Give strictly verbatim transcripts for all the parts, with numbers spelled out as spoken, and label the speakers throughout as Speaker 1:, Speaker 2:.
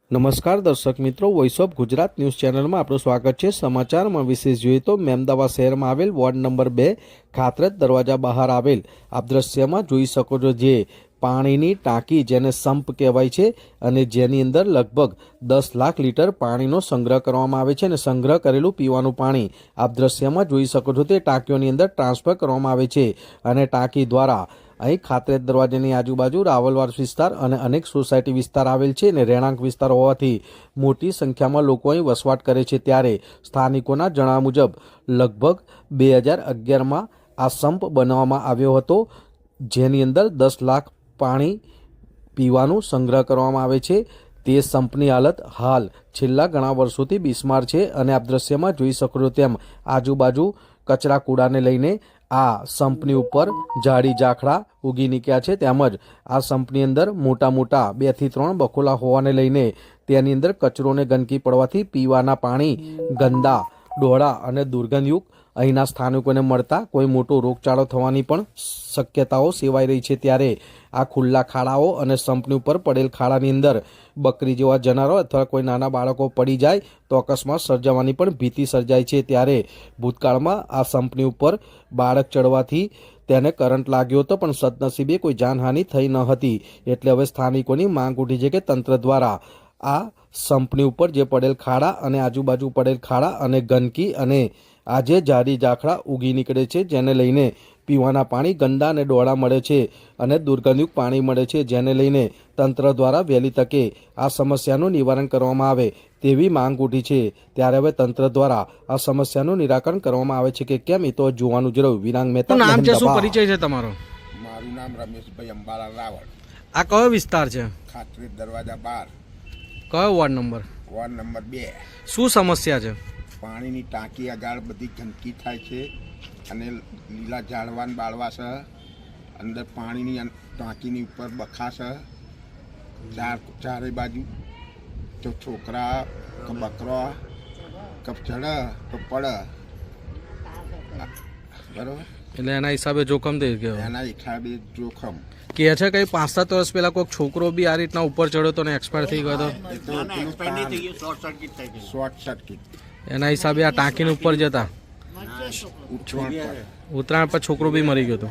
Speaker 1: નમસ્કાર દર્શક મિત્રો, વોઇસ ઓફ ગુજરાત ન્યૂઝ ચેનલમાં આપણું સ્વાગત છે। સમાચારમાં વિશેષ જોઈએ તો મેમદાવાદ શહેરમાં આવેલ વોર્ડ નંબર બે ખાતરજ દરવાજા બહાર આવેલ આપ દ્રશ્યમાં જોઈ શકો છો જે પાણીની ટાંકી જેને સંપ કહેવાય છે અને જેની અંદર લગભગ દસ લાખ લીટર પાણીનો સંગ્રહ કરવામાં આવે છે અને સંગ્રહ કરેલું પીવાનું પાણી આપ દ્રશ્યમાં જોઈ શકો છો તે ટાંકીઓની અંદર ટ્રાન્સફર કરવામાં આવે છે અને ટાંકી દ્વારા અહીં ખાતરજ દરવાજાની આજુબાજુ રાવલવાડ વિસ્તાર અને અનેક સોસાયટી વિસ્તાર આવેલ છે અને રહેણાંક વિસ્તાર હોવાથી મોટી સંખ્યામાં લોકો અહીં વસવાટ કરે છે। ત્યારે સ્થાનિકોના જણાવ્યા મુજબ લગભગ બે હજાર અગિયારમાં આ સંપ બનાવવામાં આવ્યો હતો જેની અંદર દસ લાખ પાણી પીવાનું સંગ્રહ કરવામાં આવે છે। તે સંપની હાલત હાલ છેલ્લા ઘણા વર્ષોથી બિસ્માર છે અને આપ દ્રશ્યમાં જોઈ શકો છો તેમ આજુબાજુ કચરા કૂડાને લઈને આ સંપની ઉપર ઝાડી ઝાખડા ઉગી નીકળ્યા છે। તેમજ આ સંપની અંદર મોટા મોટા બે થી ત્રણ બખોલા હોવાને લઈને તેની અંદર કચરો અને ગંદકી પડવાથી પીવાના પાણી ગંદા ડોળા અને દુર્ગંધયુક્ત અહીંના સ્થાનિકોને મળતા કોઈ મોટો રોગચાળો થવાની પણ શક્યતાઓ સેવાઈ રહી છે। ત્યારે આ ખુલ્લા ખાડાઓ અને સંપની ઉપર પડેલ ખાડાની અંદર બકરી જેવા જનાવરો અથવા કોઈ નાના બાળકો પડી જાય તો અકસ્માત સર્જાવાની પણ ભીતિ સર્જાય છે। ત્યારે ભૂતકાળમાં આ સંપની ઉપર બાળક ચડવાથી તેને કરંટ લાગ્યો હતો પણ સદનસીબે કોઈ જાનહાનિ થઈ ન હતી। એટલે હવે સ્થાનિકોની માંગ ઉઠી છે કે તંત્ર દ્વારા આ સંપની ઉપર જે પડેલ ખાડા અને આજુબાજુ પડેલ ખાડા અને ગંદકી અને આજે ઝાડી ઝાખડા ઉગી નીકળે છે જેને લઈને પીવાના પાણી ગંદા અને ડોળા મળે છે અને દુર્ગંધયુક્ત પાણી મળે છે જેને લઈને તંત્ર દ્વારા વહેલી તકે આ સમસ્યાનું નિવારણ કરવામાં આવે તેવી માંગ ઉઠી છે। ત્યારે હવે તંત્ર દ્વારા આ સમસ્યાનું નિરાકરણ કરવામાં આવે છે કે કેમ એ તો જોવાનું જ રહ્યું। વિરાંગ મહેતા નામ છે, શું પરિચય છે તમારો?
Speaker 2: મારું નામ રમેશભાઈ અંબાલાલ રાવળ।
Speaker 1: આ કયો વિસ્તાર છે?
Speaker 2: ખાતરજ દરવાજા બાર।
Speaker 1: કયો વોર્ડ નંબર?
Speaker 2: વોર્ડ નંબર બે।
Speaker 1: શું સમસ્યા છે?
Speaker 2: પાણીની ટાંકી આગળ બધી ગંદકી થાય છે અને લીલા ઝાડવાન બાળવા છે, અંદર પાણીની ટાંકીની ઉપર બખા છે ચાર ચારે બાજુ, તો છોકરા કે બકરો કપ ચડે તો પડે, બરાબર?
Speaker 1: એટલે એના હિસાબે જોખમ થઈ ગયો।
Speaker 2: એના હિસાબે જોખમ
Speaker 1: કે છે કઈ પાંચ સાત વર્ષ પહેલા કોઈ છોકરો બી આ રીતના ઉપર ચડ્યો તો ને એક્સપાયર થઈ ગયો હતો,
Speaker 2: શોર્ટ સર્કિટ
Speaker 1: એના હિસાબે આ ટાંકીને ઉપર જતા ઉત્તરાયણ પર છોકરો બી મરી ગયો હતો।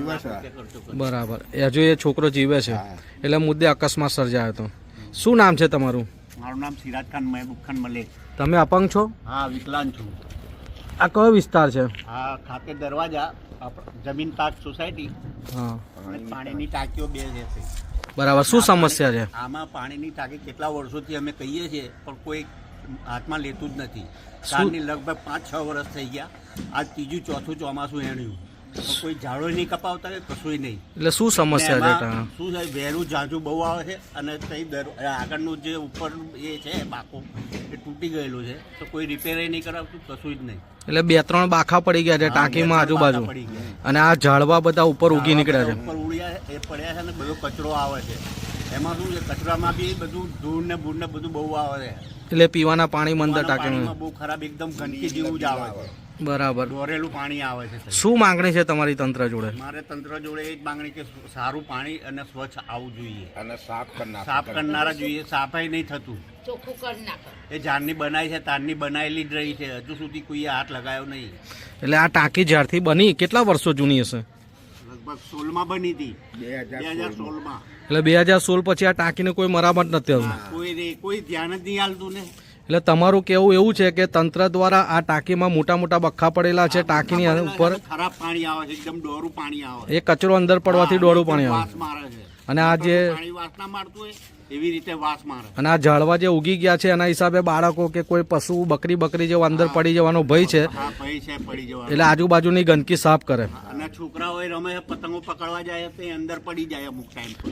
Speaker 1: બરાબર, હજુ એ છોકરો જીવે છે એટલે મુદ્દે અકસ્માત સર્જાયો હતો। શું નામ છે તમારું?
Speaker 3: મારું નામ સિરાજ ખાન મહેબૂબ ખાન મલેક।
Speaker 1: તમે અપંગ છો?
Speaker 3: હા, વિકલાંગ છું।
Speaker 1: આ કયો વિસ્તાર છે?
Speaker 3: હા, ખાતરજ દરવાજા જમીન પાક સોસાયટી।
Speaker 1: હા,
Speaker 3: પાણીની ટાંકીઓ બે છે।
Speaker 1: બરાબર, શું સમસ્યા છે
Speaker 3: આમાં? પાણીની ટાંકી કેટલા વર્ષોથી અમે કહીએ છીએ પણ કોઈ હાથમાં લેતું જ નથી। કાલની લગભગ પાંચ છ વર્ષ થઈ ગયા, આજ ત્રીજું ચોથું ચોમાસું એણ્યું, કોઈ ઝાડો નહીં કપાવતા કે કશું નહીં।
Speaker 1: એટલે શું સમસ્યા છે?
Speaker 3: શું છે, વહેરું ઝાંઝું બહુ આવે છે અને તઈ આગળનું જે ઉપર એ છે બાકો એ તૂટી ગયેલું છે, તો કોઈ રિપેર નહીં કરાવતું, કશું જ નહીં।
Speaker 1: એટલે બે ત્રણ બાખા પડી ગયા છે ટાંકીમાં આજુબાજુ અને આ ઝાડવા બધા ઉપર ઉગી નીકળ્યા છે,
Speaker 3: ઉપર ઉડ્યા એ પડ્યા છે ને બધો કચરો આવે છે। એમાં શું છે, કચરામાં બી બધું ધૂળ ને ભૂળ ને બધું બહુ આવે છે,
Speaker 1: એટલે પીવાના પાણી મંદર ટાંકીમાં
Speaker 3: બહુ ખરાબ એકદમ ગંદકી જેવું જ આવે છે।
Speaker 1: બરાબર,
Speaker 3: દોરેલું પાણી આવે છે।
Speaker 1: શું માંગણી છે તમારી તંત્ર જોડે?
Speaker 3: મારે તંત્ર જોડે એ જ માંગણી કે સારું પાણી અને સ્વચ્છ આવવું જોઈએ
Speaker 2: અને સાફ કરનાર
Speaker 3: સાફ કરનારા જોઈએ। સાફાઈ નહીં થતું,
Speaker 4: ચોખ્ખું કરી નાખો।
Speaker 3: એ ઝાડની બનાવી છે, તારની બનાવેલી જ રહી છે, હજુ સુધી કોઈએ હાથ લગાવ્યો નહીં।
Speaker 1: એટલે આ ટાંકી જ્યારથી બની કેટલા વર્ષો જૂની હશે?
Speaker 3: લગભગ સોળમાં બની હતી,
Speaker 2: બે
Speaker 3: બે હજાર સોળમાં।
Speaker 1: એટલે બે હજાર સોળ પછી આ ટાંકીને કોઈ મરામત નથી આવતું,
Speaker 3: કોઈ કોઈ ધ્યાન જ નહીં આલતું ને।
Speaker 1: એટલે તમારું કેવું એવું છે કે તંત્ર દ્વારા આ ટાંકીમાં મોટા મોટા બખ્ખા પડેલા છે, ટાંકીની ઉપર
Speaker 3: ખરાબ પાણી આવે છે, એકદમ ડોરું પાણી આવે
Speaker 1: એ કચરો અંદર પડવાથી ડોળું પાણી આવે
Speaker 3: વાસ મારે છે
Speaker 1: અને આ જે
Speaker 3: પાણી વાસ ના મારતું હોય એવી રીતે વાસ મારે।
Speaker 1: અને આ ઝાડવા જે ઉગી ગયા છે એના હિસાબે બાળકો કે કોઈ પશુ બકરી બકરી જેવો અંદર પડી જવાનો ભય છે,
Speaker 3: હા ભય છે, પડી જવાનો।
Speaker 1: એટલે આજુબાજુની ગંદકી સાફ કરે
Speaker 3: અને છોકરાઓ રમે પતંગો પકડવા જાય તો અંદર પડી જાય અમુક ટાઈમ પર।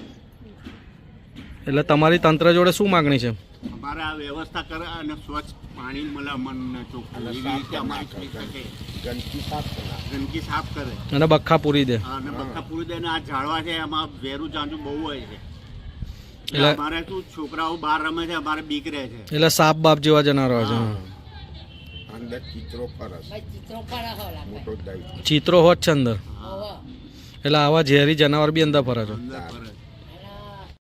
Speaker 1: એટલે તમારી તંત્ર જોડે શું માંગણી છે?
Speaker 3: અમારે આ વ્યવસ્થા કરે અને સ્વચ્છ પાણી મળે મનને ચોખ્ખું, એવી રીતે અમારી થઈ શકે।
Speaker 2: ગંદકી સાફ કરનાર
Speaker 3: ગંદકી સાફ કરે
Speaker 1: અને બખ્ખા પૂરી દે
Speaker 3: અને બખ્ખા પૂરી દે। અને આ ઝાડવા છે એમાં વેરું ઝાંઝું બહુ હોય છે,
Speaker 1: એટલે
Speaker 3: અમારે શું છોકરાઓ બહાર રમે છે, અમારે બીક રહે છે।
Speaker 1: એટલે સાપ બાપ જેવા જનારો છે,
Speaker 2: અંદર ચિત્રો ફરસ
Speaker 4: ચિત્રો પર હોલા
Speaker 2: મોટો દઈ
Speaker 1: ચિત્રો હોત છે અંદર, એટલે આવા ઝેરી જનાવર બી અંદર ફરે છે।
Speaker 3: અંદર ફરે